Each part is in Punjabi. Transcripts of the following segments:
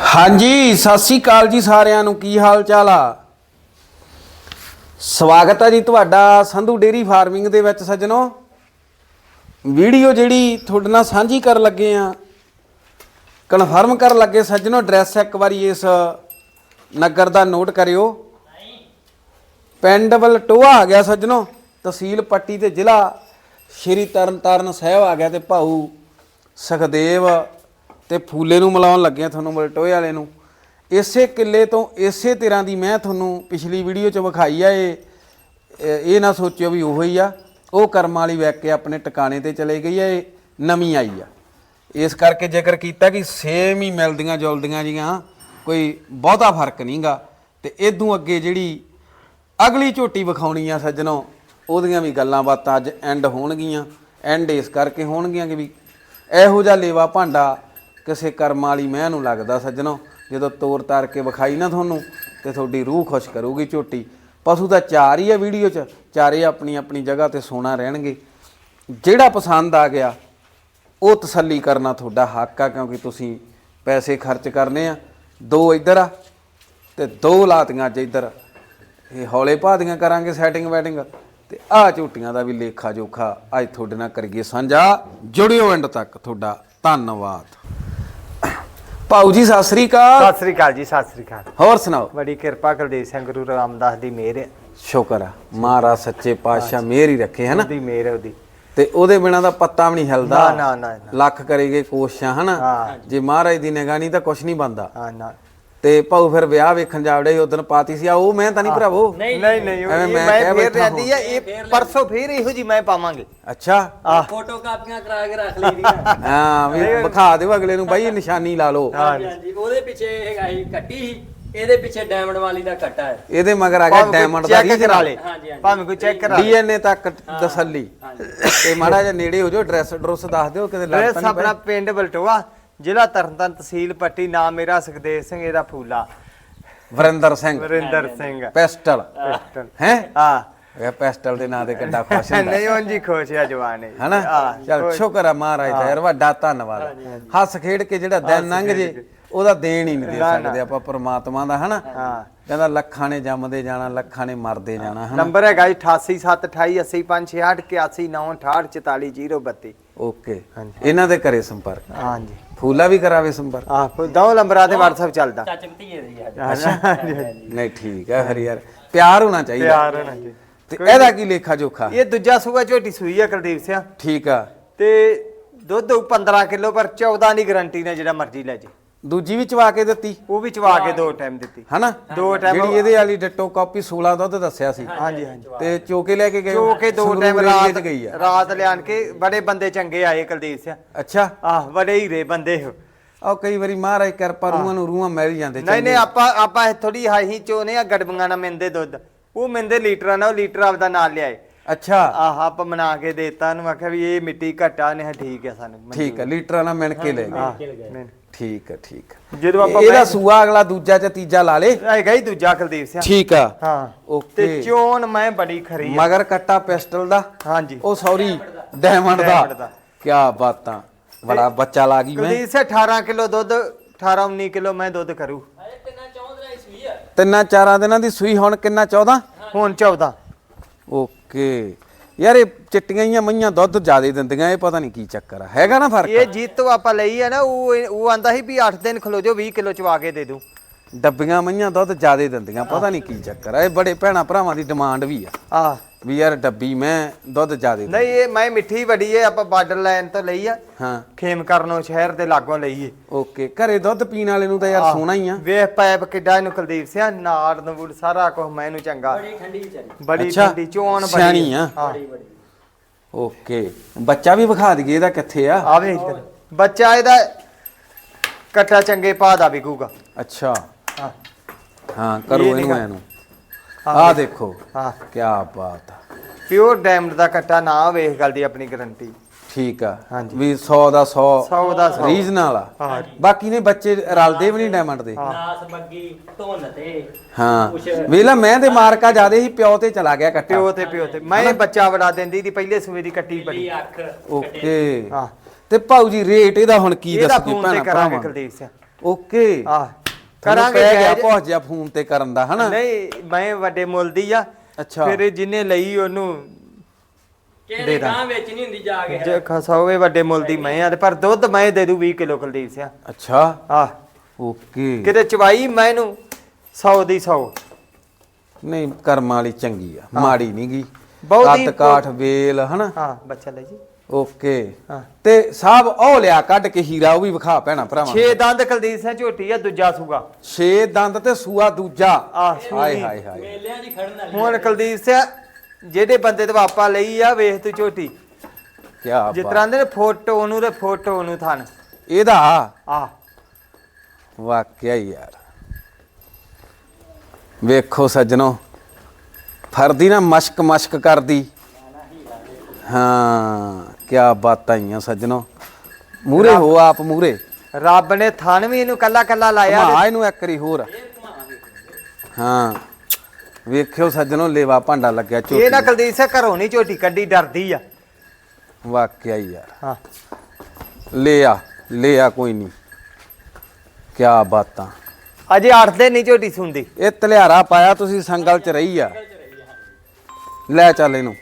ਹਾਂਜੀ ਸਤਿ ਸ੍ਰੀ ਅਕਾਲ ਜੀ ਸਾਰਿਆਂ ਨੂੰ। ਕੀ ਹਾਲ ਚਾਲ ਆ? ਸਵਾਗਤ ਹੈ ਜੀ ਤੁਹਾਡਾ ਸੰਧੂ ਡੇਅਰੀ ਫਾਰਮਿੰਗ ਦੇ ਵਿੱਚ। ਸੱਜਣੋ, ਵੀਡੀਓ ਜਿਹੜੀ ਤੁਹਾਡੇ ਨਾਲ ਸਾਂਝੀ ਕਰਨ ਲੱਗੇ ਆ, ਕਨਫਰਮ ਕਰਨ ਲੱਗੇ ਸੱਜਣੋ, ਐਡਰੈਸ ਇੱਕ ਵਾਰੀ ਇਸ ਨਗਰ ਦਾ ਨੋਟ ਕਰਿਓ। ਪਿੰਡ ਬਲਟੋਆ ਆ ਗਿਆ ਸੱਜਣੋ, ਤਹਿਸੀਲ ਪੱਟੀ ਤੇ ਜ਼ਿਲ੍ਹਾ ਸ਼੍ਰੀ ਤਰਨਤਾਰਨ ਸਾਹਿਬ ਆ ਗਿਆ। ਤੇ ਭਾਊ ਸੁਖਦੇਵ ਤੇ ਫੂਲੇ ਨੂੰ ਮਿਲਾਉਣ ਲੱਗੇ ਤੁਹਾਨੂੰ ਬਲਟੋਏ ਵਾਲੇ ਨੂੰ। ਇਸੇ ਕਿੱਲੇ ਤੋਂ ਇਸੇ ਤਰ੍ਹਾਂ ਦੀ ਮੈਂ ਤੁਹਾਨੂੰ ਪਿਛਲੀ ਵੀਡੀਓ 'ਚ ਵਿਖਾਈ ਆ। ਇਹ ਨਾ ਸੋਚਿਓ ਵੀ ਉਹੀ ਆ, ਉਹ ਕਰਮ ਵਾਲੀ ਵਿਕ ਕੇ ਆਪਣੇ ਟਿਕਾਣੇ ਤੇ ਚਲੇ ਗਈ ਆ, ਇਹ ਨਵੀਂ ਆਈ ਆ। ਇਸ ਕਰਕੇ ਜ਼ਿਕਰ ਕੀਤਾ ਕਿ ਸੇਮ ਹੀ ਮਿਲਦੀਆਂ ਜੁਲਦੀਆਂ ਜੀਆਂ, ਕੋਈ ਬਹੁਤਾ ਫਰਕ ਨਹੀਂ ਗਾ। ਤੇ ਇਦੋਂ ਅੱਗੇ ਜਿਹੜੀ ਅਗਲੀ ਝੋਟੀ ਵਿਖਾਉਣੀ ਆ ਸੱਜਣੋ, ਉਹਦੀਆਂ ਵੀ ਗੱਲਾਂ ਬਾਤਾਂ ਅੱਜ ਐਂਡ ਹੋਣਗੀਆਂ। ਐਂਡ ਇਸ ਕਰਕੇ ਹੋਣਗੀਆਂ ਕਿ ਵੀ ਇਹੋ ਜਿਹਾ ਲੇਵਾ ਭਾਂਡਾ ਕਿਸੇ ਕਰਮ ਵਾਲੀ ਮੈਂ ਨੂੰ ਲੱਗਦਾ ਸੱਜਣੋ, ਜਦੋਂ ਤੋਰ ਤਾਰ ਕੇ ਵਿਖਾਈ ਨਾ ਤੁਹਾਨੂੰ ਤੇ ਤੁਹਾਡੀ ਰੂਹ ਖੁਸ਼ ਕਰੂਗੀ ਝੋਟੀ। ਪਸ਼ੂ ਤਾਂ ਚਾਰ ਹੀ ਆ ਵੀਡੀਓ 'ਚ, ਚਾਰੇ ਆਪਣੀ ਆਪਣੀ ਜਗ੍ਹਾ ਤੇ ਸੋਨਾ ਰਹਿਣਗੇ। ਜਿਹੜਾ ਪਸੰਦ ਆ ਗਿਆ ਉਹ ਤਸੱਲੀ ਕਰਨਾ ਤੁਹਾਡਾ ਹੱਕ ਆ, ਕਿਉਂਕਿ ਤੁਸੀਂ ਪੈਸੇ ਖਰਚ ਕਰਨੇ ਆ। ਦੋ ਇੱਧਰ ਆ ਤੇ ਦੋ ਲਾਤੀਆਂ ਅੱਜ ਇੱਧਰ। ਇਹ ਹੌਲੇ ਭਾਦੀਆਂ ਕਰਾਂਗੇ ਸੈਟਿੰਗ ਵੈਟਿੰਗ, ਤੇ ਆਹ ਝੋਟੀਆਂ ਦਾ ਵੀ ਲੇਖਾ ਜੋਖਾ ਅੱਜ ਤੁਹਾਡੇ ਨਾਲ ਕਰੀਏ ਸਾਂਝਾ। ਜੁੜਿਓ ਐਂਡ ਤੱਕ। ਤੁਹਾਡਾ ਧੰਨਵਾਦ। ਭਾਊ ਜੀ ਸਤਿ ਸ੍ਰੀ ਅਕਾਲ। ਸਤਿ ਸ੍ਰੀ ਅਕਾਲ ਜੀ, ਸਤਿ ਸ੍ਰੀ ਅਕਾਲ। ਹੋਰ ਸੁਣਾਓ? ਬੜੀ ਕਿਰਪਾ ਕੁਲਦੀਪ ਸਿੰਘ ਗੁਰੂ ਰਾਮਦਾਸ ਦੀ ਮਿਹਰ ਹੈ। ਸ਼ੁਕਰ ਆ ਮਹਾਰਾਜ ਸੱਚੇ ਪਾਤਸ਼ਾਹ ਮਿਹਰ ਹੀ ਰੱਖੇ ਹੈ ਨਾ। ਉਹਦੀ ਮਿਹਰ ਹੈ ਉਹਦੀ, ਤੇ ਉਹਦੇ ਬਿਨਾਂ ਦਾ ਪੱਤਾ ਵੀ ਨਹੀਂ ਹਿਲਦਾ। ਨਾ ਨਾ ਨਾ, ਲੱਖ ਕਰੇਗੇ ਕੋਸ਼ਿਸ਼ਾਂ ਹਨਾ, ਜੇ ਮਹਾਰਾਜ ਦੀ ਨਿਗਾਹ ਨਹੀਂ ਤਾਂ ਕੁਛ ਨਹੀਂ ਬਣਦਾ। ਹਾਂ ਨਾ। ਤੇ ਭਾਊ ਫਿਰ ਵਿਆਹ ਵੇਖਣ ਜਾਵੜੇ ਉਦੋਂ ਪਾਤੀ ਸੀ ਆ, ਉਹ ਮੈਂ ਤਾਂ ਨਹੀਂ ਭਰਾਵੋ। ਨਹੀਂ ਨਹੀਂ, ਮੈਂ ਫੇਰ ਰਹਿੰਦੀ ਆ। ਇਹ ਪਰਸੋਂ ਫੇਰ ਇਹੋ ਜੀ ਮੈਂ ਪਾਵਾਂਗੇ। ਅੱਛਾ, ਫੋਟੋ ਕਾਪੀਆਂ ਕਰਾ ਕੇ ਰੱਖ ਲਈਆਂ। ਹਾਂ ਵੀ ਵਿਖਾ ਦਿਓ ਅਗਲੇ ਨੂੰ ਬਾਈ, ਨਿਸ਼ਾਨੀ ਲਾ ਲਓ। ਹਾਂਜੀ, ਉਹਦੇ ਪਿੱਛੇ ਹੈਗਾ ਸੀ ਕੱਟੀ ਸੀ, ਇਹਦੇ ਪਿੱਛੇ ਡਾਇਮੰਡ ਵਾਲੀ ਦਾ ਕੱਟਾ ਹੈ। ਇਹਦੇ ਮਗਰ ਆ ਗਿਆ ਡਾਇਮੰਡ ਦਾ ਚੈੱਕ ਕਰਾ ਲੇ, ਭਾਵੇਂ ਕੋਈ ਚੈੱਕ ਕਰਾ ਲੇ, ਡੀਐਨਏ ਤੱਕ ਤਸੱਲੀ। ਤੇ ਮਾੜਾ ਜਿਹਾ ਨੇੜੇ ਹੋ ਜਾਓ, ਐਡਰੈਸ ਦੱਸ ਦਿਓ ਕਿਤੇ ਲੱਗ ਤਾਂ ਨਹੀਂ। ਆਪਣਾ ਪਿੰਡ ਬਲਟੋਆ, ਜ਼ਿਲ੍ਹਾ ਤਰਨਤਾਰਨ, ਤਹਿਸੀਲ ਪੱਟੀ। ਨਾਮ ਮੇਰਾ ਸੁਖਦੇਵ ਸਿੰਘ, ਇਹਦਾ ਫੂਲਾ ਵਰਿੰਦਰ ਸਿੰਘ। ਵਰਿੰਦਰ ਸਿੰਘ ਪੈਸਟਲ ਹੈ। ਹਾਂ, ਇਹ ਪੈਸਟਲ ਦੇ ਨਾਂ ਤੇ ਕਿੱਡਾ ਖੁਸ਼ ਹੁੰਦਾ। ਨਹੀਂ ਉਂਝ ਹੀ ਖੁਸ਼ ਆ ਜਵਾਨ ਹੈ ਹਨਾ। ਚਲ ਸ਼ੁਕਰ ਆ ਮਹਾਰਾਜ ਦਾ ਯਾਰ, ਵੱਡਾ ਧੰਨਵਾਦ। ਹੱਸ ਖੇਡ ਕੇ ਜਿਹੜਾ ਦਿਨ ਲੰਘ ਜੇ ਉਹਦਾ ਦੇਣ ਹੀ ਨਹੀਂ ਦੇ ਸਕਦੇ ਆਪਾਂ ਪਰਮਾਤਮਾ ਦਾ ਹਨਾ। ਕਹਿੰਦਾ ਲੱਖਾਂ ਨੇ ਜੰਮਦੇ ਜਾਣਾ, ਲੱਖਾਂ ਨੇ ਮਰਦੇ ਜਾਣਾ ਹਨਾ। ਨੰਬਰ ਹੈਗਾ 8872880568444032। ਓਕੇ, ਇਹਨਾਂ ਦੇ ਘਰੇ ਸੰਪਰਕ। ਹਾਂਜੀ, ਫੂਲਾ ਵੀ ਕਰਾਵੇ ਸੰਪਰਕ। ਆਹ ਦੋ ਨੰਬਰਾਂ ਤੇ WhatsApp ਚੱਲਦਾ। ਚਾਚੇ ਭਤੀਜੇ ਦੀ ਆ। ਨਹੀਂ ਠੀਕ ਹੈ, ਹਰੀ ਯਾਰ ਪਿਆਰ ਹੋਣਾ ਚਾਹੀਦਾ। ਪਿਆਰ ਹੋਣਾ ਚਾਹੀਦਾ। ਤੇ ਇਹਦਾ ਕੀ ਲੇਖਾ ਜੋਖਾ? ਇਹ ਦੂਜਾ ਸੂਆ ਝੋਟੀ ਸੂਈ ਆ ਕੁਲਦੀਪ ਸਿੰਘ। ਠੀਕ ਆ। ਤੇ ਦੁੱਧ 15 ਕਿਲੋ, ਪਰ 14 ਦੀ ਗਾਰੰਟੀ ਨਾਲ ਜਿਹੜਾ ਮਰਜ਼ੀ ਲੈ ਜੇ। ਦੂਜੀ ਵੀ ਚਵਾ ਕੇ ਦਿੱਤੀ ਉਹ ਵੀ ਚਵਾ ਕੇ 2 ਟਾਈਮ ਦਿੱਤੀ ਹਨਾ। 2 ਟਾਈਮ ਜਿਹੜੀ ਇਹਦੇ ਵਾਲੀ ਡਿਟੋ ਕਾਪੀ 16 ਦੁੱਧ ਦੱਸਿਆ ਸੀ। ਹਾਂਜੀ ਹਾਂਜੀ, ਤੇ ਚੋਕੇ ਲੈ ਕੇ ਗਏ। ਚੋਕੇ 2 ਟਾਈਮ ਰਾਤ ਗਈ ਆ। ਰਾਤ ਲਿਆਣ ਕੇ। ਬੜੇ ਬੰਦੇ ਚੰਗੇ ਆਏ ਕੁਲਦੀਪ ਸਿੰਘ। ਅੱਛਾ, ਆਹ ਬੜੇ ਹੀਰੇ ਬੰਦੇ ਹੋ। ਉਹ ਕਈ ਵਾਰੀ ਮਹਾਰਾਜ ਕਿਰਪਾ ਰੂਹਾਂ ਨੂੰ ਰੂਹਾਂ ਮਿਲ ਜਾਂਦੇ। ਨਹੀਂ ਆਪਾਂ ਥੋੜੀ ਹਾਈ ਚੋਨੇ ਆ, ਗੜਬੀਆਂ ਨਾਲ ਮਿੰਦੇ ਦੁੱਧ। ਉਹ ਮਿੰਦੇ ਲੀਟਰਾਂ ਨਾਲ, ਉਹ ਲੀਟਰ ਆਪਦਾ ਨਾਲ ਲਿਆਏ। ਅੱਛਾ, ਆਹ ਆਪਾਂ ਬਣਾ ਕੇ ਦੇਤਾ ਉਹਨੂੰ, ਆਖਿਆ ਵੀ ਇਹ ਮਿੱਟੀ ਘਟਾ ਨੇ। ਠੀਕ ਹੈ ਸਾਨੂੰ, ਠੀਕ ਹੈ, ਲੀਟਰਾਂ ਨਾਲ ਮਿਣ ਕੇ ਲੈ ਗਏ। ਠੀਕ ਹੈ ਠੀਕ ਹੈ। ਜਦੋਂ ਆਪਾਂ ਇਹਦਾ ਸੂਆ ਅਗਲਾ ਦੂਜਾ ਚ ਤੀਜਾ ਲਾ ਲੇ। ਹੈਗਾ ਹੀ ਦੂਜਾ ਕੁਲਦੀਪ ਸਿੰਘ। ਠੀਕ ਆ। ਹਾਂ ਓਕੇ। ਤੇ ਚੋਣ ਮੈਂ ਬੜੀ ਖਰੀ ਆ। ਮਗਰ ਕੱਟਾ ਪਿਸਟਲ ਦਾ। ਹਾਂਜੀ, ਉਹ ਸੌਰੀ ਡਾਇਮੰਡ ਦਾ। ਕੀ ਬਾਤਾਂ, ਬੜਾ ਬੱਚਾ ਲਾ ਗਈ ਮੈਂ। ਕੁਲਦੀਪ ਸਿੰਘ 18 ਕਿਲੋ ਦੁੱਧ, 18-19 ਕਿਲੋ ਮੈਂ ਦੁੱਧ ਕਰੂ। ਤਿੰਨਾਂ ਚਾਰਾਂ ਦਿਨਾਂ ਦੀ ਸੂਈ। ਹੁਣ ਕਿੰਨਾ? 14। ਹੁਣ 14। ਓਕੇ ਯਾਰ, ਇਹ ਚਿੱਟੀਆਂ ਹੀ ਮਈਆਂ ਦੁੱਧ ਜ਼ਿਆਦਾ ਦਿੰਦੀਆਂ, ਇਹ ਪਤਾ ਨਹੀਂ ਕੀ ਚੱਕਰ ਆ। ਹੈਗਾ ਨਾ ਫਰਕ? ਇਹ ਜੀਤੋ ਆਪਾਂ ਲਈ ਆ ਨਾ, ਉਹ ਆਂਦਾ ਸੀ ਵੀ 8 ਦਿਨ ਖਲੋ ਜੋ 20 ਕਿਲੋ ਚਵਾ ਕੇ ਦੇ ਦੂੰ। ਡੱਬੀਆਂ ਮਈਆਂ ਦੁੱਧ ਜ਼ਿਆਦਾ ਦਿੰਦੀਆਂ, ਪਤਾ ਨਹੀਂ ਕੀ ਚੱਕਰ ਆ। ਇਹ ਬੜੇ ਭੈਣਾ ਭਰਾਵਾਂ ਦੀ ਡਿਮਾਂਡ ਵੀ ਆ ਆਹ ਵੀ ਯਾਰ ਡੱਬੀ ਮੈਂ ਦੁੱਧ ਜ਼ਿਆਦਾ। ਨਹੀਂ, ਇਹ ਮੈਂ ਮਿੱਠੀ ਬੜੀ ਏ। ਆਪਾਂ ਬਾਰਡਰ ਲਾਈਨ ਤੋਂ ਲਈ ਆ। ਹਾਂ, ਖੇਮ ਕਰਨੋਂ ਸ਼ਹਿਰ ਦੇ ਲਾਗੋਂ ਲਈ ਏ। ਓਕੇ। ਘਰੇ ਦੁੱਧ ਪੀਣ ਵਾਲੇ ਨੂੰ ਤਾਂ ਯਾਰ ਸੋਹਣਾ ਹੀ ਆ। ਵੇਖ ਪਾਇਪ ਕਿੱਡਾ ਇਹਨੂੰ ਕੁਲਦੀਪ ਸਿੰਘ, ਨਾੜ ਨੂੜ ਸਾਰਾ ਕੁਝ ਮੈਨੂੰ ਚੰਗਾ। ਬੜੀ ਠੰਡੀ ਵਿਚਾਰੀ, ਬੜੀ ਠੰਡੀ ਚੋਣ ਬੜੀ ਸਿਆਣੀ ਆ। ਬੜੀ ਬੜੀ। ਓਕੇ, ਬੱਚਾ ਵੀ ਵਿਖਾ ਦਈਏ ਇਹਦਾ ਕਿੱਥੇ ਆ। ਆਵੇ ਇੱਧਰ ਬੱਚਾ ਇਹਦਾ ਕੱਟਾ ਚੰਗੇ ਪਾ ਦਾ ਵਿਕੂਗਾ। ਅੱਛਾ, ਹਾਂ ਹਾਂ ਕਰੋ ਇਹ ਇਹਨੂੰ ਨਿਗਾਹ। ਐਨੂੰ। ਆਹ ਦੇਖੋ, ਹਾਂ ਕੀ ਬਾਤ ਆ। ਪਿਓਰ ਡਾਇਮੰਡ ਦਾ ਕੱਟਾ ਨਾ ਵੇਖ, ਗੱਲ ਦੀ ਆਪਣੀ ਗਾਰੰਟੀ। ਠੀਕ ਆ ਹਾਂਜੀ। ਵੀ 100 ਦਾ 100 100 ਦਾ 100 ਰੀਜਨਲ ਆ। ਹਾਂ। ਬਾਕੀ ਨੇ ਬੱਚੇ ਰਲਦੇ ਵੀ ਨਹੀਂ ਡਾਇਮੰਡ ਦੇ। ਨਾਸ ਬੱਗੀ ਧੁੰਨ ਤੇ ਹਾਂ ਵੇਲਾ ਮੈਂ ਤੇ ਮਾਰਕਾ ਜਿਆਦੇ ਸੀ, ਪਿਓ ਤੇ ਚਲਾ ਗਿਆ ਕੱਟਾ। ਪਿਓ ਤੇ ਮੈਂ ਬੱਚਾ ਬੜਾ ਦਿੰਦੀ ਦੀ, ਪਹਿਲੇ ਸੂਏ ਦੀ ਕੱਟੀ ਬੜੀ। ਅੱਖ ਓਕੇ। ਹਾਂ, ਤੇ ਭਾਊ ਜੀ ਰੇਟ ਇਹਦਾ ਹੁਣ ਕੀ ਇਹਦਾ ਦੱਸੋਗੇ ਫੋਨ ਤੇ ਭੈਣਾ ਕਰਾਂਗੇ ਭਰਾਵਾਂ? ਕੁਲਦੀਪ ਸਿੰਘ। ਓਕੇ। ਆਹ ਕਰਾਂਗੇ ਪੈ ਗਿਆ ਜਾਇਜ਼। ਪਹੁੰਚ ਜਾ ਫੋਨ ਤੇ ਕਰਨ ਦਾ ਹਨਾ। ਨਹੀਂ ਮੈਂ ਵੱਡੇ ਮੁੱਲ ਦੀ ਆ। ਅੱਛਾ ਫਿਰ ਜਿਹਨੇ ਲਈ ਉਹਨੂੰ ਕਿਹੜੇ ਗਾਂ ਵਿੱਚ ਨਹੀਂ ਹੁੰਦੀ ਜਾ ਕੇ ਜੇ ਖਸਾਵੇ ਵੱਡੇ ਮੁੱਲ ਦੀ ਮੈਂ ਆ ਤੇ ਪਰ ਦੁੱਧ ਮੈਂ ਦੇ ਦੂ 20 ਕਿਲੋ ਕੁਲਦੀਪ ਸਿੰਘ। ਅੱਛਾ ਆ ਓਕੇ। ਕਿਤੇ ਚਵਾਈ ਮੈਨੂੰ 100 ਦੀ 100 ਨਹੀਂ ਕਰਮਾਂ ਵਾਲੀ ਚੰਗੀ ਆ, ਮਾੜੀ ਨਹੀਂ ਗਈ। ਬਹੁਤੀ ਕੱਦ ਕਾਠ ਵੇਲ ਹਨਾ। ਹਾਂ ਬੱਚਾ ਲੈ ਜੀ। ਓਕੇ ਹਾਂ। ਤੇ ਸਾਹਿਬ ਉਹ ਲਿਆ ਕੱਢ ਕੇ ਹੀਰਾ, ਉਹ ਵੀ ਵਿਖਾ ਭੈਣਾ ਭਰਾਵਾਂ। 6 ਦੰਦ ਕੁਲਦੀਪ ਸਿੰਘ ਝੋਟੀ ਆ, ਦੂਜਾ ਸੂਗਾ। 6 ਦੰਦ ਤੇ ਸੂਆ ਦੂਜਾ। ਆਹ, ਹਾਏ ਹਾਏ ਹਾਏ। ਮੇਲਿਆਂ ਦੀ ਖੜਨ ਵਾਲੀ ਹੁਣ ਕੁਲਦੀਪ ਸਿੰਘ ਜਿਹੜੇ ਬੰਦੇ ਤੇ ਵਾਪਾ ਲਈ ਆ ਵੇਖ ਤੂੰ ਝੋਟੀ ਕੀ ਜਿਸ ਤਰ੍ਹਾਂ ਦੇ ਫੋਟੋ ਨੂੰ ਤੇ ਫੋਟੋ ਨੂੰ ਥਣ ਇਹਦਾ ਆ ਵਾਕਿਆ ਹੀ ਯਾਰ। ਵੇਖੋ ਸੱਜਣੋ, ਫਰਦੀ ਨਾ ਮਸ਼ਕ ਮਸ਼ਕ ਕਰਦੀ। ਹਾਂ ਕੀ ਬਾਤਾਂ ਆਈਆਂ ਸੱਜਣੋ। ਮੂਰੇ ਹੋ ਆਪ ਮੂਰੇ। ਰੱਬ ਨੇ ਥਣ ਵੀ ਇਹਨੂੰ ਕੱਲਾ ਕੱਲਾ ਲਾਇਆ ਘੁਮਾ ਇਹਨੂੰ ਇੱਕ ਵਾਰੀ ਹੋਰ। ਹਾਂ ਵੇਖਿਓ ਸੱਜਣੋ, ਲੇਵਾ ਭਾਂਡਾ ਲੱਗਿਆ ਝੋਟੀ ਇਹ ਨਾ ਨੂੰ। ਕੁਲਦੀਪ ਸਿੰਘ ਘਰੋਂ ਨਹੀਂ ਝੋਟੀ ਕੱਢੀ, ਡਰਦੀ ਆ। ਵਾਕਿਆ ਹੀ ਯਾਰ। ਹਾਂ ਲੈ ਆ ਕੋਈ ਨਹੀਂ। ਕੀ ਬਾਤਾਂ। ਅਜੇ 8 ਦਿਨ ਨਹੀਂ ਝੋਟੀ ਸੁਣਦੀ। ਇਹ ਤਲਿਆਰਾ ਪਾਇਆ ਤੁਸੀਂ, ਸੰਗਲ ਚ ਰਹੀ ਆ। ਲੈ ਚੱਲ ਇਹਨੂੰ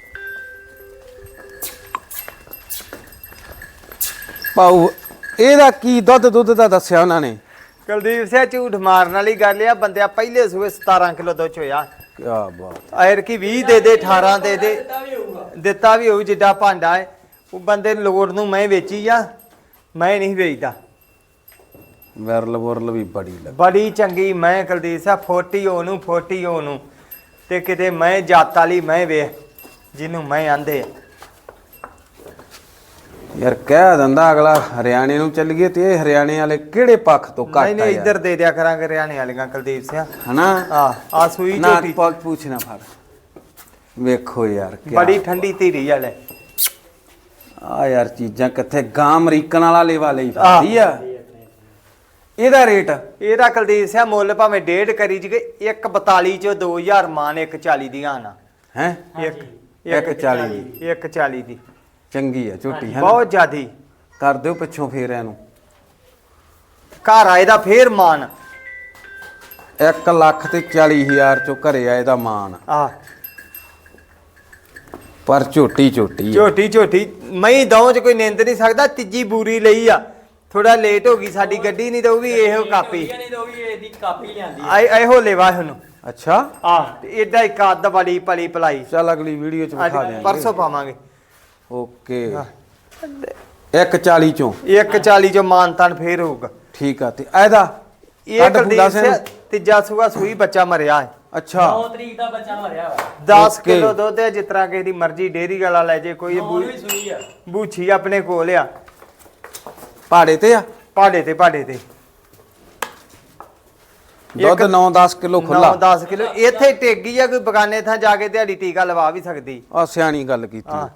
ਪਾਉ। ਇਹਦਾ ਕੀ ਦੁੱਧ ਦਾ ਦੱਸਿਆ ਉਹਨਾਂ ਨੇ? ਕੁਲਦੀਪ ਸਿੰਘ ਝੂਠ ਮਾਰਨ ਵਾਲੀ ਗੱਲ ਆ। ਬੰਦਿਆ ਪਹਿਲੇ ਸੂਏ 17 ਕਿਲੋ ਦੁੱਧ ਹੋਇਆ। ਕੀ ਬਾਤ। ਐਰ ਕੀ 20 ਦੇ ਦੇ 18 ਦੇ ਦੇ ਦਿੱਤਾ ਵੀ ਹੋਊਗਾ। ਦਿੱਤਾ ਵੀ ਹੋਊ ਜਿੱਡਾ ਭਾਂਡਾ ਹੈ। ਉਹ ਬੰਦੇ ਨੂੰ ਲੋੜ ਨੂੰ ਮੈਂ ਵੇਚੀ ਆ, ਮੈਂ ਨਹੀਂ ਵੇਚਦਾ। ਵਿਰਲ ਵੁਰਲ ਵੀ ਬੜੀ ਲੱਗ। ਬੜੀ ਚੰਗੀ ਮੈਂ ਕੁਲਦੀਪ ਸਿੰਘ 40 ਉਹਨੂੰ ਤੇ ਕਿਤੇ ਮੈਂ ਜਾਤ ਵਾਲੀ ਮੈਂ ਵੇਖ ਜਿਹਨੂੰ ਮੈਂ ਆਂਦੇ ਆ। ਯਾਰ ਕਹਿ ਦਿੰਦਾ ਅਗਲਾ ਹਰਿਆਣੇ ਨੂੰ ਚੱਲੀਏ ਤੇ ਇਹ ਹਰਿਆਣੇ ਵਾਲੇ ਕਿਹੜੇ ਪੱਖ ਤੋਂ ਨਹੀਂ ਘੱਟ ਆ ਨਹੀਂ ਯਾਰ। ਇੱਧਰ ਦੇ ਦਿਆ ਕਰਾਂਗੇ ਹਰਿਆਣੇ ਵਾਲੀਆਂ ਕੁਲਦੀਪ ਸਿੰਘ। ਹਨਾ ਆ ਸੂਈ ਨਾ ਝੋਟੀ ਪੁੱਛਣਾ ਫੜ। ਵੇਖੋ ਯਾਰ ਕੀ ਬੜੀ ਠੰਡੀ ਧੀਰੀ ਵਾਲੇ। ਆ ਯਾਰ ਚੀਜ਼ਾਂ ਕਿੱਥੇ ਗਾਂ ਅਮਰੀਕਨ ਵਾਲਾ ਲੇਵਾ ਲਈ ਫਿਰਦੀ ਆ। ਇਹਦਾ ਰੇਟ ਇਹਦਾ ਕੁਲਦੀਪ ਸਿੰਘ ਮੁੱਲ ਭਾਵੇਂ 1.5 ਕਰੀ ਜੀ 142 ਚੋਂ 2000 ਮਾਨ 140 ਦੀਆਂ ਆਣਾ। ਹੈ ਇੱਕ 140 ਦੀ 140 ਦੀ ਚੰਗੀ ਆ ਝੋਟੀ ਹੈ। ਬਹੁਤ ਜ਼ਿਆਦੀ। ਕਰ ਦਿਓ ਪਿੱਛੋਂ ਫੇਰ ਇਹਨੂੰ। ਘਰ ਆਏ ਦਾ ਫੇਰ ਮਾਨ 1,40,000 ਚੋਂ ਘਰੇ ਆਏ ਦਾ ਮਾਨ। ਆ ਪਰ ਝੋਟੀ ਆ। ਝੋਟੀ ਮੈਂ ਦਉਂ ਚ ਕੋਈ ਨਿੰਦ ਨਹੀਂ ਸਕਦਾ। ਤੀਜੀ ਬੂਰੀ ਲਈ ਆ, ਥੋੜਾ ਲੇਟ ਹੋ ਗਈ ਸਾਡੀ ਗੱਡੀ, ਨਹੀਂ ਤਾਂ ਉਹ ਵੀ ਇਹੋ ਕਾਪੀ ਨਹੀਂ ਤਾਂ ਉਹ ਵੀ ਇਹਦੀ ਕਾਪੀ ਲਿਆਂਦੀ ਇਹੋ ਲੈਵਾ ਇਹਨੂੰ। ਅੱਛਾ ਆ ਏਡਾ ਇੱਕ ਅੱਧ ਬੜੀ ਪਲੀ ਪਲਾਈ। ਚੱਲ ਅਗਲੀ ਵੀਡੀਓ ਚ ਵਿਖਾ ਦਿਆਂਗੇ। ਪਰਸੋਂ ਪਾਵਾਂਗੇ। ਓਕੇ 1,40 ਚੋਂ 140 ਚੋਂ ਮਾਨ ਤਾਨ ਫੇਰ ਹੋਊਗਾ। ਠੀਕ ਆ। ਤੇ ਇਹਦਾ ਇਹ ਕੱਢ ਕੁਲਦੀਪ ਫੂਲਾ ਸਿੰਘ ਤੀਜਾ ਸੂਆ ਸੂਈ ਬੱਚਾ ਮਰਿਆ ਹੈ। ਅੱਛਾ 9 ਤਰੀਕ ਦਾ ਬੱਚਾ ਮਰਿਆ ਵਾ। 10 Okay. ਕਿਲੋ ਦੁੱਧ ਹੈ, ਜਿਸ ਤਰ੍ਹਾਂ ਕਿਸੇ ਦੀ ਮਰਜ਼ੀ ਡੇਅਰੀ ਵਾਲਾ ਲੈ ਜੇ। ਕੋਈ ਉਹ ਵੀ ਸੂਈ ਆ। ਬੂਛੀ ਆਪਣੇ ਕੋਲ ਆ, ਪਹਾੜੇ ਤੇ ਆ ਪਹਾੜੇ ਤੇ ਦੁੱਧ 9-10 ਕਿਲੋ ਖੁੱਲਾ। 9-10 ਕਿਲੋ ਇੱਥੇ ਟੇਗੀ ਆ। ਕੋਈ ਬਗਾਨੇ ਥਾਂ ਜਾ ਕੇ ਦਿਹਾੜੀ ਟੀਕਾ ਲਵਾ ਵੀ ਸਕਦੀ। ਆ ਸਿਆਣੀ ਗੱਲ ਕੀਤੀ। ਹਾਂ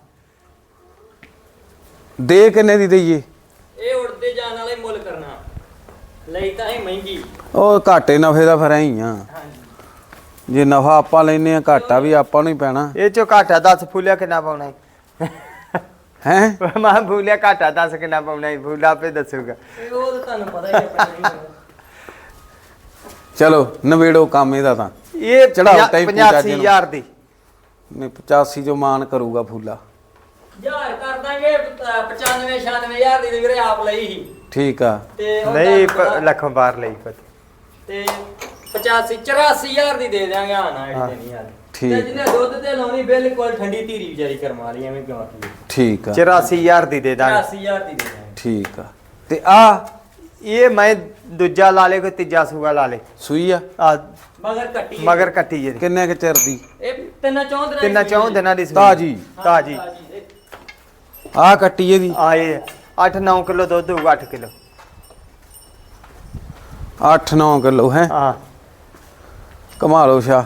ਦੇ ਕਿੰਨੇ ਦੀ ਦਈਏ? ਇਹ ਉੜਦੇ ਜਾਣ ਵਾਲੇ ਮੁੱਲ ਕਰਨਾ ਲਈ ਤਾਂ ਇਹ ਮਹਿੰਗੀ। ਉਹ ਘਾਟੇ ਨਫੇ ਦਾ ਫਿਰ ਐਂ ਹੀ ਆ। ਹਾਂਜੀ ਜੇ ਨਫਾ ਆਪਾਂ ਲੈਨੇ ਆ ਘਾਟਾ ਵੀ ਆਪਾਂ ਨੂੰ ਹੀ ਪੈਣਾ ਇਹ ਚੋਂ ਘਾਟਾ 10 ਫੁੱਲਿਆ ਕਿੰਨਾ ਪਾਉਣਾ ਹੈ। ਮੈਂ ਫੁੱਲਿਆ ਘਾਟਾ 10 ਕਿੰਨਾ ਪਾਉਣਾ ਹੈ, ਫੁੱਲਾ ਆਪੇ ਦੱਸੂਗਾ। ਇਹ ਉਹ ਤਾਂ ਤੁਹਾਨੂੰ ਪਤਾ ਹੀ ਆਪਣੀ ਚਲੋ ਨਵੇੜੋ ਕੰਮ ਇਹਦਾ ਤਾਂ। ਇਹ ਚੜਾਓ ਟਾਈ ਪੂਜਾ ਜੀ ਨੂੰ। 85,000 ਦੀ। ਨੇ 85 ਜੋ ਮਾਨ ਕਰੂਗਾ ਫੂਲਾ। ਯਾਰ ਕਰ ਦਾਂਗੇ 95-96,000 ਦੀ ਵੀਰੇ ਆਪ ਲਈ ਸੀ ਠੀਕ ਆ। ਤੇ ਉਹ ਨਹੀਂ ਤੁਹਾਨੂੰ ਪਤਾ- ਲੱਖੋਂ ਬਾਹਰ ਲਈ ਪਤਾ। ਤੇ 85-84,000 ਦੀ ਦੇ ਦਿਆਂਗੇ। ਆਣਾ ਹਾਂ। ਇਹ ਨਹੀਂ ਯਾਰ ਠੀਕ। ਤੇ ਜਿਹਨੇ ਦੁੱਧ ਤੇ ਲਾਉਣੀ ਬਿਲਕੁਲ ਠੰਡੀ ਧੀਰੀ ਵਿਚਾਰੀ ਕਰਮਾ ਲਈ ਐਵੇਂ ਕਿਉਂ ਆਖੀ। ਠੀਕ ਆ 84,000 ਦੀ ਦੇ ਦਾਂਗੇ। 84,000 ਦੀ ਦੇ ਦਿਆਂਗੇ। ਠੀਕ ਆ। ਤੇ ਆ ਇਹ ਮੈਂ ਦੂਜਾ ਲਾ ਲੇ, ਕੋਈ ਤੀਜਾ ਸੂਆ ਲਾ ਲੇ। ਸੂਈ ਆ ਆ ਮਗਰ ਕੱਟੀ ਹੈ। ਮਗਰ ਕੱਟੀ ਜੇ ਕਿੰਨੇ ਕੁ ਚਿਰ ਦੀ? ਇਹ ਤਿੰਨਾਂ ਚੌਂ ਦਿਨਾਂ ਦੀ ਤਿੰਨਾਂ ਸੂਈ ਚੌਂ ਹੈ। ਦਿਨਾਂ ਦੀ ਸੂਈ। ਤਾਜੀ। ਤਾਜੀ ਇਹ ਆ ਕੱਟੀ ਇਹਦੀ ਆਏ 8-9 ਕਿਲੋ ਦੁੱਧ ਹੋਊਗਾ। 8 ਕਿਲੋ 8-9 ਕਿਲੋ ਹੈ। ਹਾਂ ਕਮਾ ਲਓ ਸ਼ਾ।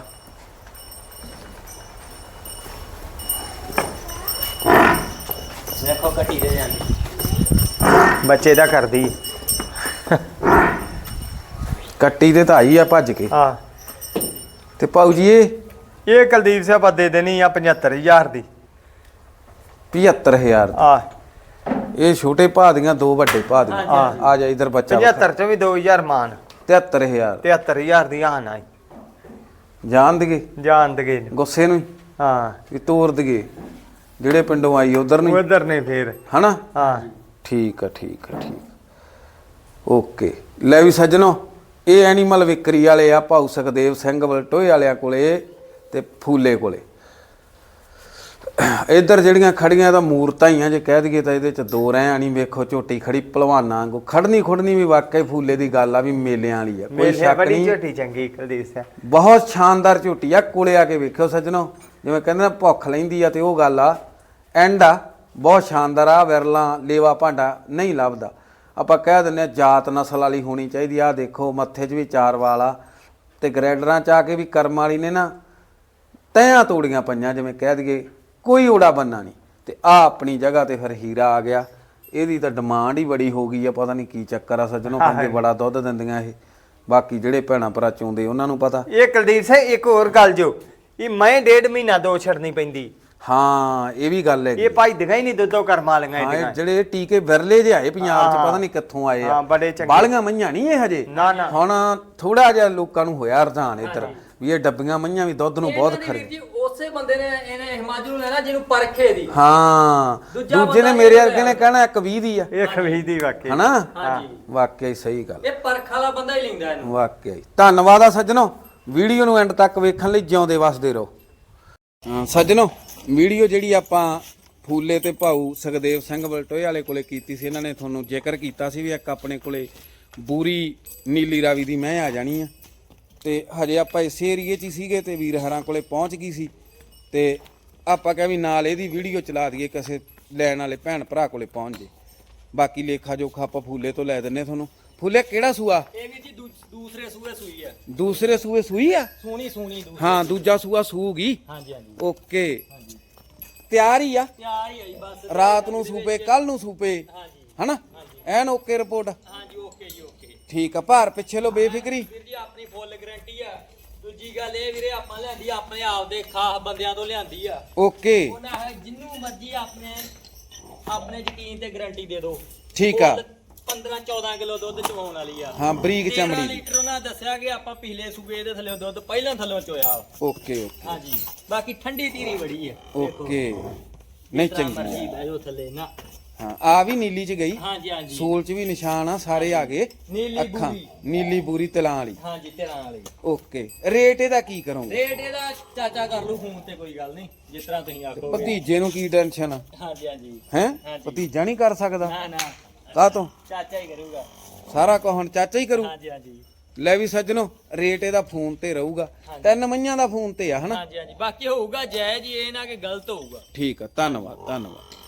ਦੇਖੋ ਕੱਟੀ ਦੇ ਜਾਂਦੀ। ਬੱਚੇ ਦਾ ਕਰਦੀ। ਕੱਟੀ ਤੇ ਧਾਈ ਆ ਭੱਜ ਕੇ। ਹਾਂ ਤੇ ਪਾਉ ਜੀ ਇਹ ਕੁਲਦੀਪ ਸਿੰਘ ਆਪਾਂ ਦੇ ਦੇਣੀ ਆ 75,000 ਦੀ। 75,000 ਆ ਇਹ ਛੋਟੇ ਭਾ ਦੀਆਂ ਦੋ ਵੱਡੇ ਭਾ ਦੀਆਂ। ਹਾਂਜੀ, ਆ ਜਾ ਇਧਰ ਬੱਚਾ 75 ਚੋਂ ਵੀ 2,000 ਮਾਨ। 73000 73000 ਦੀ ਆਣ ਆਈ ਜਾਣ ਦਗੇ ਜਾਣ ਦਗੇ ਗੁੱਸੇ ਨੂੰ ਹੀ ਹਾਂ ਵੀ ਤੋਰ ਦਗੇ ਜਿਹੜੇ ਪਿੰਡੋਂ ਆਈ ਉਧਰ ਨੂੰ ਉਧਰ ਨੇ ਫੇਰ ਹਨਾ ਹਾਂ ਠੀਕ ਆ ਠੀਕ ਆ ਠੀਕ ਓਕੇ ਲੈ ਵੀ ਸੱਜਣੋ ਇਹ ਐਨੀਮਲ ਵਿਕਰੀ ਵਾਲੇ ਆ ਭਾਊ ਸੁਖਦੇਵ ਸਿੰਘ ਬਲਟੋਏ ਵਾਲਿਆਂ ਕੋਲੇ ਤੇ ਫੂਲੇ ਕੋਲੇ ਇੱਧਰ ਜਿਹੜੀਆਂ ਖੜੀਆਂ ਤਾਂ ਮੂਰਤਾਂ ਹੀ ਆ ਜੇ ਕਹਿ ਦਈਏ ਤਾਂ ਇਹਦੇ ਚ ਦੋ ਰਹਿ ਆਣੀ ਵੇਖੋ ਝੋਟੀ ਖੜੀ ਭਲਵਾਨਾਂ ਵਾਂਗੂ ਖੜਨੀ ਖੁੜਨੀ ਵੀ ਵਾਕਈ ਫੂਲੇ ਦੀ ਗੱਲ ਆ ਵੀ ਮੇਲਿਆਂ ਵਾਲੀ ਆ ਕੋਈ ਮੇਲੇ ਸ਼ੱਕ ਬੜੀ ਨਹੀਂ ਝੋਟੀ ਚੰਗੀ ਕੁਲਦੀਪ ਸਿੰਘ ਬਹੁਤ ਸ਼ਾਨਦਾਰ ਝੋਟੀ ਆ ਕੋਲੇ ਆ ਕੇ ਵੇਖਿਓ ਸੱਜਣੋ ਜਿਵੇਂ ਕਹਿੰਦੇ ਨਾ ਭੁੱਖ ਲੈਂਦੀ ਆ ਤੇ ਉਹ ਗੱਲ ਆ ਐਂਡ ਆ ਬਹੁਤ ਸ਼ਾਨਦਾਰ ਆ ਵਿਰਲਾ ਲੇਵਾ ਭਾਂਡਾ ਨਹੀਂ ਲੱਭਦਾ ਆਪਾਂ ਕਹਿ ਦਿੰਦੇ ਆ ਜਾਤ ਨਸਲ ਵਾਲੀ ਹੋਣੀ ਚਾਹੀਦੀ ਆ ਦੇਖੋ ਮੱਥੇ 'ਚ ਵੀ 4 ਵਾਲ ਆ ਤੇ ਗ੍ਰੈਡਰਾਂ 'ਚ ਆ ਕੇ ਵੀ ਕਰਮ ਵਾਲੀ ਨੇ ਨਾ ਤੈਆਂ ਤੋੜੀਆਂ ਪਈਆਂ ਜਿਵੇਂ ਕਹਿ ਦਈਏ ਕੋਈ ਓੜਾ ਬੰਨਾ ਨਹੀਂ ਤੇ ਆ ਆਪਣੀ ਜਗ੍ਹਾ ਤੇ ਫਿਰ ਹੀਰਾ ਆ ਗਿਆ ਇਹਦੀ ਤਾਂ ਡਿਮਾਂਡ ਹੀ ਬੜੀ ਹੋ ਗਈ ਆ ਪਤਾ ਨਹੀਂ ਕੀ ਚੱਕਰ ਆ ਸੱਜਣੋ ਕਹਿੰਦੇ ਬੜਾ ਦੁੱਧ ਦਿੰਦੀਆਂ ਇਹ ਬਾਕੀ ਜਿਹੜੇ ਭੈਣਾਂ ਭਰਾ ਚੋਂਦੇ ਉਹਨਾਂ ਨੂੰ ਪਤਾ ਇਹ ਕੁਲਦੀਪ ਸਿੰਘ ਇੱਕ ਹੋਰ ਗੱਲ ਜੋ ਇਹ ਮੈਂ 1.5 ਮਹੀਨਾ ਦੋ ਛੱਡਣੀ ਪੈਂਦੀ ਹਾਂ ਇਹ ਵੀ ਗੱਲ ਹੈ ਇਹ ਭਾਈ ਦਿਖਾਈ ਨਹੀਂ ਦੁੱਧੋਂ ਕਰਮਾ ਲਈਆਂ ਹਾਂ ਇਹਦੀਆਂ ਇਹ ਜਿਹੜੇ ਟੀਕੇ ਵਿਰਲੇ ਜਿਹੇ ਆਏ ਪੰਜਾਬ 'ਚ ਪਤਾ ਨਹੀਂ ਕਿੱਥੋਂ ਆਏ ਹਾਂ ਆ ਬੜੇ ਚੰਗੇ ਬਾਲੀਆਂ ਮਈਆਂ ਨਹੀਂ ਇਹ ਹਜੇ ਨਾ ਨਾ ਹੁਣ ਥੋੜਾ ਜਿਹਾ ਲੋਕਾਂ ਨੂੰ ਹੋਇਆ ਰੁਝਾਨ ਇੱਧਰ ਵੀ ਇਹ ਡੱਬੀਆਂ ਮਈਆਂ ਵੀ ਦੁੱਧ ਨੂੰ ਬਹੁਤ ਇਹਨਾਂ ਦੀ ਖਰੇ ਵੀਰ ਜੀ ਉਸੇ ਬੰਦੇ ਨੇ ਇਹਨੇ ਹਿਮਾਚਲ ਨੂੰ ਲੈਣਾ ਜਿਹਨੂੰ ਪਰਖੇ ਦੀ ਹਾਂ ਦੂਜਾ ਦੂਜੇ ਨੇ ਬੰਦਾ ਮੇਰੇ ਇਹ ਵਰਗੇ ਨੇ ਕਹਿਣਾ 120 ਦੀ ਆ ਇਹ ਖਵੀ ਦੀ ਵਾਕਈ ਹਨਾ ਹਾਂਜੀ ਵਾਕਿਆ ਹੀ ਸਹੀ ਗੱਲ ਇਹ ਪਰਖ ਵਾਲਾ ਬੰਦਾ ਹੀ ਲੈਂਦਾ ਇਹਨੂੰ ਵਾਕਿਆ ਹੀ ਧੰਨਵਾਦ ਆ ਸੱਜਣੋ ਵੀਡੀਓ ਨੂੰ ਐਂਡ ਤੱਕ ਵੇਖਣ ਲਈ ਜਿਉਂਦੇ ਵਸਦੇ ਰਹੋ ਸੱਜਣੋ ਵੀਡੀਓ ਜਿਹੜੀ ਆਪਾਂ ਫੂਲੇ ਤੇ ਭਾਊ ਸੁਖਦੇਵ ਸਿੰਘ ਬਲਟੋਏ ਵਾਲੇ ਕੋਲੇ ਕੀਤੀ ਸੀ ਇਹਨਾਂ ਨੇ ਤੁਹਾਨੂੰ ਜ਼ਿਕਰ ਕੀਤਾ ਸੀ ਵੀ ਇੱਕ ਆਪਣੇ ਕੋਲੇ ਬੂਰੀ ਨੀਲੀ ਰਾਵੀ ਦੀ ਮੈਂ ਆ ਜਾਣੀ ਆ ਤੇ ਹਜੇ ਆਪਾਂ ਇਸੇ ਏਰੀਏ 'ਚ ਹੀ ਸੀਗੇ ਤੇ ਵੀਰ ਹਰਾਂ ਕੋਲੇ ਪਹੁੰਚ ਗਈ ਸੀ ਤੇ ਆਪਾਂ ਕਿਹਾ ਵੀ ਨਾਲ ਇਹਦੀ ਵੀਡੀਓ ਚਲਾ ਦਈਏ ਕਿਸੇ ਲੈਣ ਵਾਲੇ ਭੈਣ ਭਰਾ ਕੋਲੇ ਪਹੁੰਚ ਜੇ ਬਾਕੀ ਲੇਖਾ ਜੋਖਾ ਆਪਾਂ ਫੂਲੇ ਤੋਂ ਲੈ ਦਿੰਨੇ ਤੁਹਾਨੂੰ ਫੂਲੇ ਕਿਹੜਾ ਸੂਆ ਇਹ ਵੀ ਜੀ ਦੂਸਰੇ ਸੂਏ ਸੂਈ ਆ ਦੂਸਰੇ ਸੂਏ ਸੂਈ ਆ ਸੋਹਣੀ ਦੂਸਰੀ ਹਾਂ ਦੂਜਾ ਸੂਆ ਸੂਗੀ ਹਾਂਜੀ ਹਾਂਜੀ ਓਕੇ ਤਿਆਰ ਹੀ ਆ ਤਿਆਰ ਹੀ ਆਈ ਬਸ ਰਾਤ ਨੂੰ ਸੂਪੇ ਕੱਲ ਨੂੰ ਸੂਪੇ ਹਾਂਜੀ ਹਨਾ ਐਨ ਓਕੇ ਰਿਪੋਰਟ ਹਾਂਜੀ ਓਕੇ ਜੀ ਓਕੇ ਠੀਕ ਆ ਭਾਰ ਪਿੱਛੇ ਲੋ ਬੇਫਿਕਰੀ ਵੀਰ ਜੀ ਆਪਣੀ ਫੁੱਲ ਗਾਰੰਟੀ ਆ ਦੂਜੀ ਗੱਲ ਇਹ ਵੀਰੇ ਆਪਾਂ ਲਿਆਂਦੀ ਆਪਣੇ ਆਪ ਦੇ ਖਾਸ ਬੰਦਿਆਂ ਤੋਂ ਲਿਆਂਦੀ ਆ ਓਕੇ ਉਹਨਾਂ ਜਿੰਨੂੰ ਮਰਜੀ ਆਪਣੇ ਯਕੀਨ ਤੇ ਗਾਰੰਟੀ ਦੇ ਦਿਓ ਠੀਕ ਆ 15-14 ਕਿਲੋ ਦੁੱਧ ਚਵਾਉਣ ਵਾਲੀ ਆ ਹਾਂ ਬਰੀਕ 13 ਚਮੜੀ ਲੀਟਰ ਉਹਨਾਂ ਦੱਸਿਆ ਕਿ ਆਪਾਂ ਪਿਛਲੇ ਸੂਬੇ ਦੇ ਥੱਲੇ ਦੁੱਧ ਪਹਿਲਾਂ ਥੱਲੇ ਚੋਇਆ ਓਕੇ ਓਕੇ ਹਾਂਜੀ ਬਾਕੀ ਠੰਡੀ ਧੀਰੀ ਬੜੀ ਆ ਓਕੇ ਨਹੀਂ ਚੰਗੀ ਮਰਜੀ ਬੈਠੋ ਥੱਲੇ ਨਾ ਹਾਂ ਆ ਵੀ ਨੀਲੀ ਚ ਗਈ ਹਾਂਜੀ ਹਾਂਜੀ ਸੂਲ ਚ ਵੀ ਨਿਸ਼ਾਨ ਆ ਸਾਰੇ ਆ ਗਏ ਨੀਲੀ ਅੱਖਾਂ ਬੂਰੀ ਨੀਲੀ ਬੂਰੀ ਤਲਾਂ ਵਾਲੀ ਹਾਂਜੀ 13 ਵਾਲੀ ਓਕੇ ਰੇਟ ਇਹਦਾ ਕੀ ਕਰੋਗੇ ਰੇਟ ਇਹਦਾ ਚਾਚਾ ਕਰ ਲੂ ਫੋਨ ਤੇ ਕੋਈ ਗੱਲ ਨਹੀਂ ਜਿਸ ਤਰ੍ਹਾਂ ਤੁਸੀਂ ਆਖੋਗੇ ਭਤੀਜੇ ਨੂੰ ਕੀ ਟੈਨਸ਼ਨ ਆ ਹਾਂਜੀ ਹਾਂਜੀ ਹੈ ਹਾਂਜੀ। ਭਤੀਜਾ ਨਹੀਂ ਕਰ ਸਕਦਾ ਨਾ ਨਾ ਕਾਹ ਤੋਂ ਚਾਚਾ ਹੀ ਕਰੂਗਾ ਸਾਰਾ ਕੁਝ ਹੁਣ ਚਾਚਾ ਹੀ ਕਰੂ ਹਾਂਜੀ ਹਾਂਜੀ ਲੈ ਵੀ ਸੱਜਣੋ ਰੇਟ ਇਹਦਾ ਫੋਨ ਤੇ ਰਹੂਗਾ 3 ਮਈਆਂ ਦਾ ਫੋਨ ਤੇ ਆ ਹਨਾ ਹਾਂਜੀ ਹਾਂਜੀ ਬਾਕੀ ਹੋਊਗਾ ਜਾਇਜ਼ ਹੀ ਇਹ ਨਾ ਕਿ ਗਲਤ ਹੋਊਗਾ ਠੀਕ ਆ ਧੰਨਵਾਦ ਧੰਨਵਾਦ